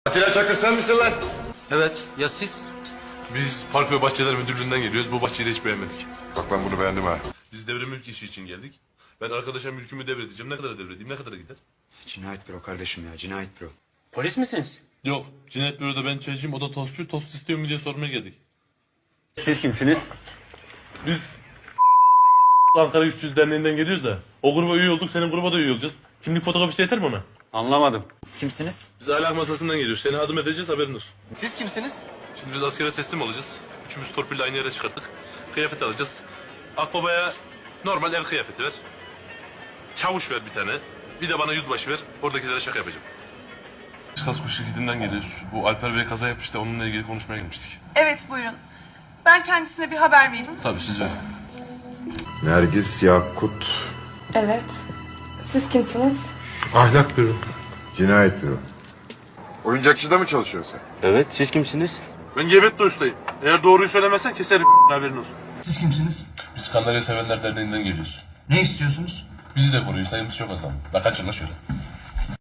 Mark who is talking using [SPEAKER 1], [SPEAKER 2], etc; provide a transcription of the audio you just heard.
[SPEAKER 1] Atilla Çakır sen misin lan?
[SPEAKER 2] Evet, ya siz?
[SPEAKER 3] Biz Park ve Bahçeler Müdürlüğü'nden geliyoruz. Bu bahçeyi de hiç beğenmedik.
[SPEAKER 1] Bak ben bunu beğendim ha.
[SPEAKER 3] Biz devre mülk işi için geldik. Ben arkadaşa mülkümü devredeceğim. Ne kadar devredeyim? Ne kadar gider?
[SPEAKER 4] Cinayet büro kardeşim ya, cinayet büro.
[SPEAKER 2] Polis misiniz?
[SPEAKER 3] Yok. Cinayet büroda ben çaycıyım. O da tostçu. Tost istiyor mu diye sormaya geldik.
[SPEAKER 2] Siz kimsiniz?
[SPEAKER 3] Biz Ankara 300 Derneği'nden geliyoruz da. O gruba üye olduk. Senin gruba da üye olacağız. Kimlik fotokopisi yeter mi ona?
[SPEAKER 2] Anlamadım. Siz kimsiniz?
[SPEAKER 3] Biz ahlak masasından geliyoruz. Seni adım edeceğiz, haberin olsun.
[SPEAKER 2] Siz kimsiniz?
[SPEAKER 3] Şimdi biz askere teslim olacağız. Üçümüz torpille aynı yere çıkarttık. Kıyafet alacağız. Akbabaya normal el kıyafeti ver. Çavuş ver bir tane. Bir de bana yüzbaşı ver. Oradakilere şaka yapacağım. Biz kasko şirketinden geliyoruz. Bu Alper Bey kaza yapmıştı. Onunla ilgili konuşmaya gelmiştik.
[SPEAKER 5] Evet buyurun. Ben kendisine bir haber vereyim.
[SPEAKER 3] Tabii siz verin.
[SPEAKER 1] Nergis Yakut
[SPEAKER 6] Evet. Siz kimsiniz?
[SPEAKER 3] Ahlak büro.
[SPEAKER 1] Cinayet Büro. Oyuncakçıda mı çalışıyorsun sen?
[SPEAKER 2] Evet, siz kimsiniz?
[SPEAKER 3] Ben Gebetli ustayım. Eğer doğruyu söylemezsen keserim haberin olsun.
[SPEAKER 7] Siz kimsiniz?
[SPEAKER 3] Biz Kandarya Sevenler Derneği'nden geliyoruz.
[SPEAKER 7] Ne istiyorsunuz?
[SPEAKER 3] Bizi de koruyun, sayımız çok azam. La kaçın la şöyle.